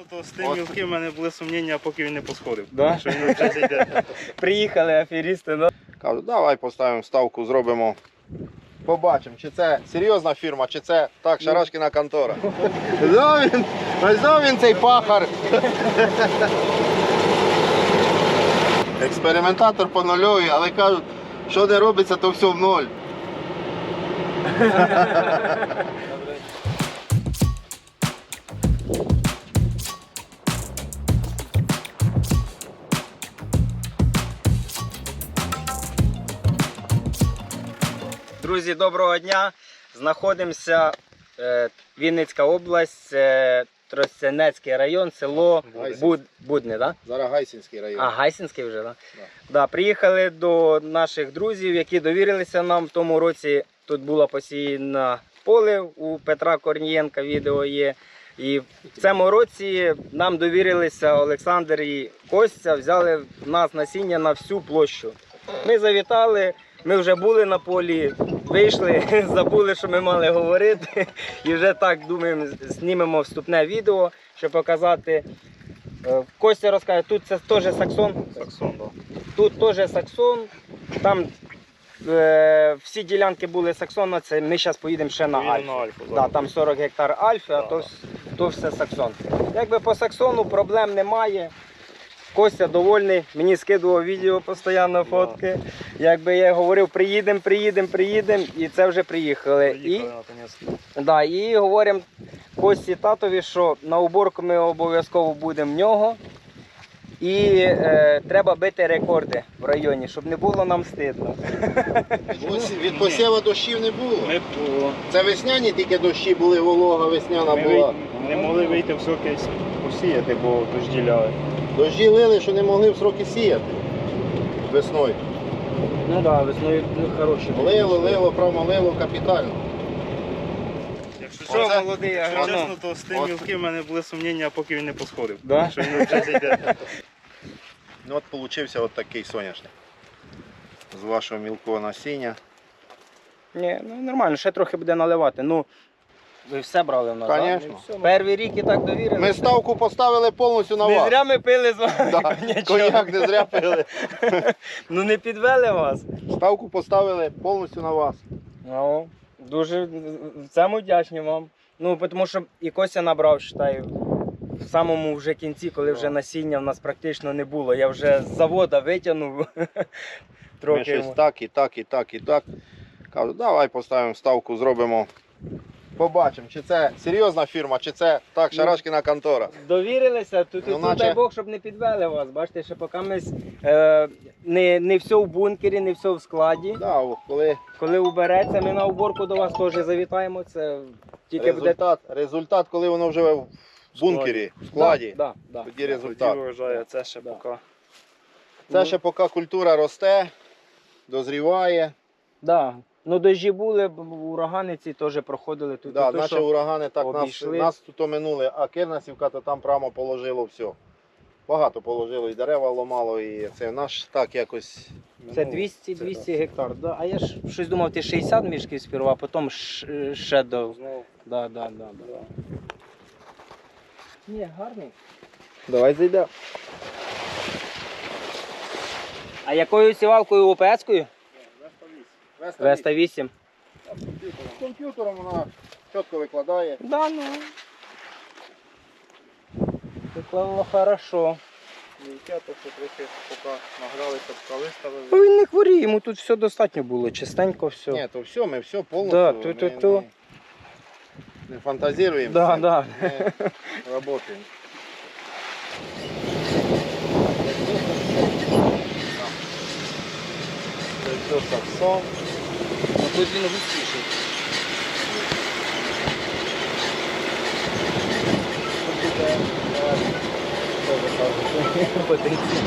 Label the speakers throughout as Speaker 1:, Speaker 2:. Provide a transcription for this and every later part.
Speaker 1: То з тим мілким в мене були сумніння, поки він не посходив.
Speaker 2: Да?
Speaker 1: Що він вже зійде.
Speaker 2: Приїхали аферісти, ну.
Speaker 3: Кажу, давай поставимо ставку, зробимо. Побачимо, чи це серйозна фірма, чи це так, Шарашкіна контора. Ось він цей пахар. Експериментатор по нульовій, але кажуть, що не робиться, то все в ноль.
Speaker 2: Друзі, доброго дня! Знаходимося Вінницька область, Тростянецький район, село Будне, так?
Speaker 3: Зараз Гайсинський район.
Speaker 2: А, Гайсинський вже, так?
Speaker 3: Да.
Speaker 2: Да, приїхали до наших друзів, які довірилися нам в тому році. Тут було посіяно поле у Петра Корнієнка, відео є. І в цьому році нам довірилися Олександр і Костя, взяли в нас насіння на всю площу. Ми завітали, ми вже були на полі, вийшли, забули, що ми мали говорити. І вже так, думаємо, знімемо вступне відео, щоб показати. Костя розкаже, тут це теж саксон.
Speaker 1: Саксон, так.
Speaker 2: Тут теж саксон. Там всі ділянки були саксона, це ми зараз поїдемо ще на Альфу. Да, там 40 гектар Альфи, а то все саксон. Якби по саксону проблем немає. Костя довольний, мені скидував відео постійно, фотки. Якби я говорив, приїдемо, і це вже приїхали. І говоримо Кості татові, що на уборку ми обов'язково будемо в нього. І треба бити рекорди в районі, щоб не було нам стидно.
Speaker 3: Від посіву дощів не було.
Speaker 1: Ми
Speaker 3: Це весняні тільки дощі були, волога весняна була.
Speaker 1: не могли вийти в сроки посіяти, бо дожді ляли.
Speaker 3: Дощі лили, що не могли в сроки сіяти весною.
Speaker 2: Ну так, да, весною хороші.
Speaker 3: Лило, промолило капітально.
Speaker 1: Якщо
Speaker 2: Що,
Speaker 1: чесно,
Speaker 2: молодий
Speaker 1: якщо
Speaker 2: агроном?
Speaker 1: чесно, то з тим мілким в мене були сумніння, поки він не посходив.
Speaker 2: Да?
Speaker 1: Що він вже зійде.
Speaker 3: Ну от получився от такий соняшник. З вашого мілкого насіння.
Speaker 2: Ні, ну нормально, ще трохи буде наливати. Ну, ви все брали в нас,
Speaker 3: Конечно.
Speaker 2: так? Перший рік і так довірилися.
Speaker 3: Ми ставку поставили повністю на
Speaker 2: Не
Speaker 3: вас.
Speaker 2: зря ми пили з вами
Speaker 3: Да,
Speaker 2: коньячок.
Speaker 3: коньяк не зря пили.
Speaker 2: Ну не підвели вас.
Speaker 3: Ставку поставили повністю на вас.
Speaker 2: Ну, дуже в цьому вдячні вам. Ну, тому що і Костя набрав, вважаю, в самому вже кінці, коли вже насіння в нас практично не було. Я вже з завода витягнув.
Speaker 3: Ми
Speaker 2: Трохи
Speaker 3: щось
Speaker 2: йому.
Speaker 3: так і так, і так, і так. Кажу, давай поставимо ставку, зробимо. Побачимо, чи це серйозна фірма, чи це так, Шарашкіна контора.
Speaker 2: Довірилися, тут,
Speaker 3: Ну,
Speaker 2: тут
Speaker 3: наче-
Speaker 2: дай Бог, щоб не підвели вас. Бачите, що поки ми не все в бункері, не все в складі.
Speaker 3: Да, от
Speaker 2: Коли убереться, ми на уборку до вас теж завітаємо. Це тільки буде
Speaker 3: результат, коли воно вже в бункері, в складі,
Speaker 2: Да, да,
Speaker 3: тоді
Speaker 1: Тоді
Speaker 3: результат.
Speaker 1: вважаю, це ще
Speaker 2: Да.
Speaker 1: поки.
Speaker 3: Це ще поки культура росте, дозріває.
Speaker 2: Да. Ну дощі були, урагани ці теж проходили тут.
Speaker 3: Да,
Speaker 2: то,
Speaker 3: наші
Speaker 2: що
Speaker 3: урагани так
Speaker 2: обійшли.
Speaker 3: нас тут оминули, а Кирнасівка то там прямо положило все. Багато положило, і дерева ламало, і це наш так якось.
Speaker 2: Це
Speaker 3: ну,
Speaker 2: 200 гектар. Да. А я ж щось думав, ти 60 мішків сперва, а потім ще до.
Speaker 1: Знову.
Speaker 2: Да. Ні, гарний. Давай зайдемо. А якою сівалкою ОПС-кою? Веста 8.
Speaker 3: Комп'ютером вона чітко викладає.
Speaker 2: Да, ну. Виклало хорошо.
Speaker 1: Яке, то що трохи поки награлися, поки виставили.
Speaker 2: Ну, він не хворіє, йому тут все достатньо було, чистенько все.
Speaker 3: Ні, то все, ми все повністю.
Speaker 2: Да,
Speaker 3: ми не фантазіруємо.
Speaker 2: Да,
Speaker 3: це,
Speaker 2: да.
Speaker 3: Ми працюємо.
Speaker 1: Це все саксон.
Speaker 2: Ну, тут він густіший. Тут буде потенційно.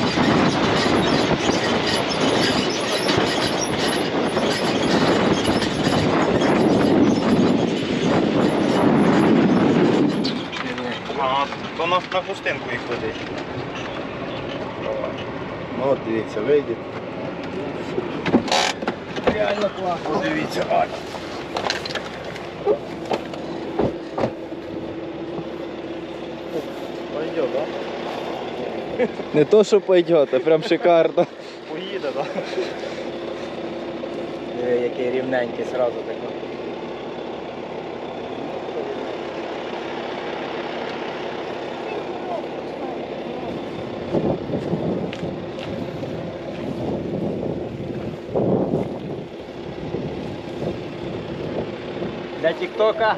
Speaker 1: То на хустинку їх ведеш.
Speaker 3: Ну, от дивіться, вийде.
Speaker 2: Реально класно.
Speaker 3: Подивіться, ай.
Speaker 1: Пойдет, да?
Speaker 4: Не то, що пойде, а прям шикарно.
Speaker 1: Поїде, да?
Speaker 2: Диви, який рівненький сразу такий. Для тіктока.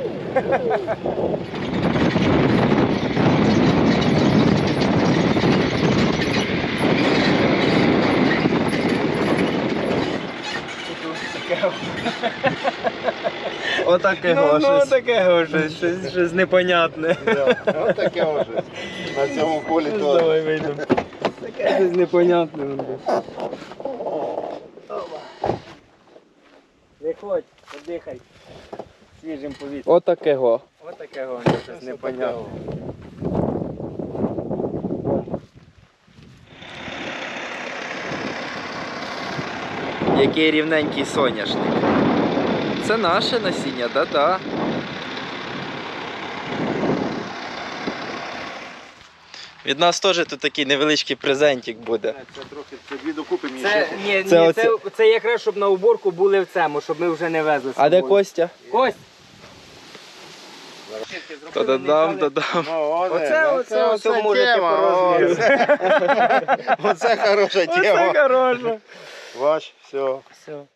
Speaker 4: Отакого щось.
Speaker 2: таке щось непонятне.
Speaker 3: Ось таке вже. На цьому полі теж.
Speaker 2: Давай вийдемо. Таке щось непонятне. Виходь, подихай свіжим повітрям.
Speaker 4: Отакого.
Speaker 2: Ось таке щось непонятне.
Speaker 4: Який рівненький соняшник. Це наше насіння, да-да. Від нас теж тут такий невеличкий презентик буде.
Speaker 3: Це трохи, це дві докупи мені
Speaker 2: Це,
Speaker 3: ще.
Speaker 2: ні,
Speaker 4: Це
Speaker 2: ні,
Speaker 4: оце-
Speaker 2: це якраз щоб на уборку були в цьому, щоб ми вже не везли з
Speaker 4: А де
Speaker 2: собою.
Speaker 4: Костя?
Speaker 2: Кость!
Speaker 4: Та-дадам, дадам.
Speaker 3: Ну,
Speaker 2: Оце можете
Speaker 3: тема,
Speaker 2: порозміряти.
Speaker 3: Оце хороша тема.
Speaker 2: хороше.
Speaker 3: Бач, все.
Speaker 2: Все.